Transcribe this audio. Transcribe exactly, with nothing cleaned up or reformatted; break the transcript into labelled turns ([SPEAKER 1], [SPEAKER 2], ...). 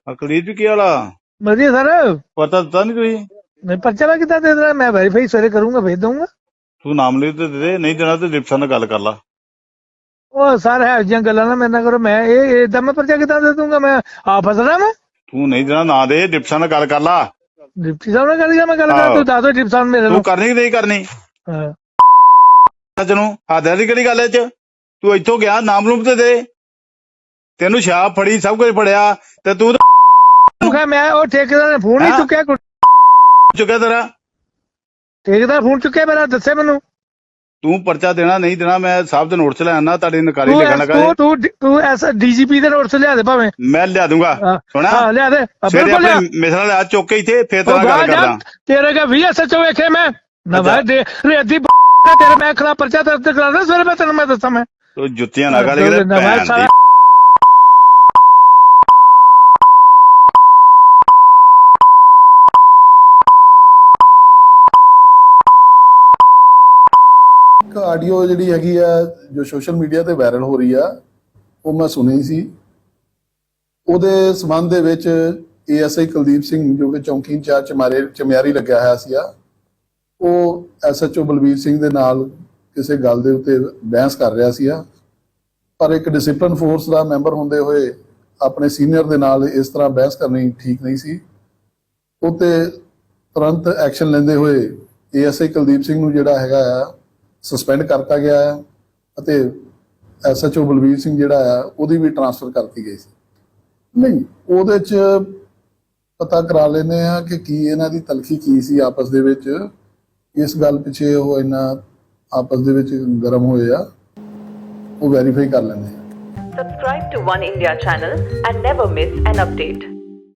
[SPEAKER 1] ਅਕਲੀਤ ਵੀ ਕੀ ਵਾਲਾ
[SPEAKER 2] ਵਧੀਆ ਸਰ।
[SPEAKER 1] ਪਤਾ ਦਿੱਤਾ ਨਹੀਂ ਤੁਸੀਂ?
[SPEAKER 2] ਨਹੀਂ ਪਰਚਾ ਮੈਂ ਕਿੱਦਾਂ ਦੇ ਦੇਣਾ, ਮੈਂ ਵੈਰੀਫਾਈ ਸਵੇਰੇ ਕਰੂੰਗਾ, ਭੇਜ ਦਊਂਗਾ।
[SPEAKER 1] ਤੂੰ ਨਾਮ ਲਿਖ ਤੇ ਦੇ ਦੇ, ਨਹੀਂ ਦੇਣਾ ਤੇ ਡਿਪਟੀ ਨਾਲ ਗੱਲ ਕਰ ਲਾ।
[SPEAKER 2] ਉਹ ਸਰ ਹੈ ਜਿਹੀਆਂ ਗੱਲਾਂ ਨਾ ਮੇਰੇ ਨਾਲ ਕਰੋ, ਮੈਂ ਇਹ ਏਦਾਂ ਮੈਂ ਪਰਚਾ ਕਿੱਦਾਂ ਦੇ ਦੂੰਗਾ, ਮੈਂ ਆ ਫਸਣਾ ਮੈਂ।
[SPEAKER 1] ਤੂੰ ਨਹੀਂ ਦੇਣਾ ਨਾ ਦੇ, ਡਿਪਟੀ ਨਾਲ ਗੱਲ ਕਰ ਲਾ।
[SPEAKER 2] ਡਿਪਟੀ ਸਾਹਿਬ ਨਾਲ ਗੱਲ ਕਰ, ਮੈਂ ਗੱਲ ਕਰ, ਤੂੰ ਦੱਸ ਦੋ ਡਿਪਟੀ ਸਾਹਿਬ ਮੇਰੇ
[SPEAKER 1] ਤੂੰ
[SPEAKER 2] ਨੂੰ।
[SPEAKER 1] ਕਰਨੀ ਕਿ ਨਹੀਂ ਕਰਨੀ?
[SPEAKER 2] ਹਾਂ
[SPEAKER 1] ਤੈਨੂੰ ਹਾਦਿਆਂ ਦੀ ਕਿਹੜੀ ਗੱਲ ਐ ਚ? ਤੂੰ ਇੱਥੋਂ ਗਿਆ ਨਾਮ ਲੂਮ ਤੇ ਦੇ, ਤੈਨੂੰ ਸ਼ਾਪ ਫੜੀ ਸਭ ਕੁਝ ਫੜਿਆ ਤੇ ਤੂੰ
[SPEAKER 2] ਮੈਂ ਉਹ ਠੇਕੇਦਾਰ ਨੇ ਫੋਨ ਨਹੀਂ ਚੁੱਕਿਆ।
[SPEAKER 1] ਚੁੱਕਿਆ ਤੇਰਾ
[SPEAKER 2] ਠੇਕੇਦਾਰ ਫੋਨ ਚੁੱਕਿਆ ਮੇਰਾ, ਦੱਸੇ ਮੈਨੂੰ।
[SPEAKER 1] ਤੂੰ ਪਰਚਾ ਦੇਣਾ ਨਹੀਂ ਦੇਣਾ, ਮੈਂ ਸਾਹਿਬ ਦੇ ਨੋਟ ਚ ਲੈ ਆਣਾ, ਤੁਹਾਡੀ ਨਕਾਰੀ ਲਿਖਣ ਲੱਗਾ।
[SPEAKER 2] ਤੂੰ ਤੂੰ ਤੂੰ ਐਸ ਡੀਜੀਪੀ ਦੇ ਨੋਟ ਚ ਲਿਆ ਦੇ ਭਾਵੇਂ,
[SPEAKER 1] ਮੈਂ ਲਿਆ ਦੂੰਗਾ। ਸੁਣਾ
[SPEAKER 2] ਹਾਂ ਲਿਆ ਦੇ,
[SPEAKER 1] ਬਿਲਕੁਲ ਲਿਆ। ਮਿਸਰਾ ਲਿਆ ਚੁੱਕ ਕੇ ਇੱਥੇ, ਫੇਰ ਤੇਰਾ ਗੱਲ ਕਰਦਾ।
[SPEAKER 2] ਤੇਰੇ ਕਾ ਵੀ ਐਸਐਚਓ ਵੇਖੇ ਮੈਂ ਨਵਾਂ ਦੇ ਰੇਦੀ ਤੇਰੇ, ਮੈਂ ਖਿਲਾਫ ਪਰਚਾ ਦਰਜ ਕਰਾਉਣਾ ਸਵੇਰੇ, ਮੈਂ ਤੈਨੂੰ ਮੈਂ ਦੱਸਾਂ। ਮੈਂ
[SPEAKER 1] ਤੂੰ ਜੁੱਤੀਆਂ ਨਾ ਕਰ ਕਿਤੇ ਭੈਣ ਦੀ।
[SPEAKER 3] ਆਡੀਓ ਜਿਹੜੀ ਹੈਗੀ ਆ ਜੋ ਸੋਸ਼ਲ ਮੀਡੀਆ ਤੇ ਵਾਇਰਲ ਹੋ ਰਹੀ ਆ, ਉਹ ਮੈਂ ਸੁਣੀ ਸੀ। ਉਹਦੇ ਸੰਬੰਧ ਦੇ ਵਿੱਚ ਏਐਸਆਈ ਕੁਲਦੀਪ ਸਿੰਘ ਜੋ ਕਿ ਚੌਂਕੀ ਇੰਚਾਰਜ ਚਮਾਰੇ ਚਮਿਆਰੀ ਲੱਗਿਆ ਹੋਇਆ ਸੀ, ਉਹ ਐਸਐਚਓ ਬਲਬੀਰ ਸਿੰਘ ਦੇ ਨਾਲ ਕਿਸੇ ਗੱਲ ਦੇ ਉੱਤੇ ਬਹਿਸ ਕਰ ਰਿਹਾ ਸੀ। ਪਰ ਇੱਕ ਡਿਸਪਲਿਨ ਫੋਰਸ ਦਾ ਮੈਂਬਰ ਹੁੰਦੇ ਹੋਏ ਆਪਣੇ ਸੀਨੀਅਰ ਦੇ ਨਾਲ ਇਸ ਤਰ੍ਹਾਂ ਬਹਿਸ ਕਰਨੀ ਠੀਕ ਨਹੀਂ ਸੀ। ਉੱਤੇ ਤੁਰੰਤ ਐਕਸ਼ਨ ਲੈਂਦੇ ਹੋਏ ਏਐਸਆਈ ਕੁਲਦੀਪ ਸਿੰਘ ਨੂੰ ਜਿਹੜਾ ਹੈਗਾ ਆ ਸਸਪੈਂਡ ਕਰਤਾ ਗਿਆ ਹੈ ਅਤੇ ਐਸਐਚਓ ਬਲਬੀਰ ਸਿੰਘ ਜਿਹੜਾ ਆ ਉਹਦੀ ਵੀ ਟਰਾਂਸਫਰ ਕਰਤੀ ਗਈ ਸੀ। ਨਹੀਂ ਉਹਦੇ 'ਚ ਪਤਾ ਕਰਾ ਲੈਂਦੇ ਆ ਕਿ ਕੀ ਇਹਨਾਂ ਦੀ ਤਲਖੀ ਕੀ ਸੀ ਆਪਸ ਦੇ ਵਿੱਚ, ਇਸ ਗੱਲ ਪਿੱਛੇ ਉਹ ਇਹਨਾਂ ਆਪਸ ਦੇ ਵਿੱਚ ਗਰਮ ਹੋਏ ਆ, ਉਹ ਵੈਰੀਫਾਈ ਕਰ ਲੈਂਦੇ ਆ।
[SPEAKER 4] Subscribe to One India channel and never miss an update.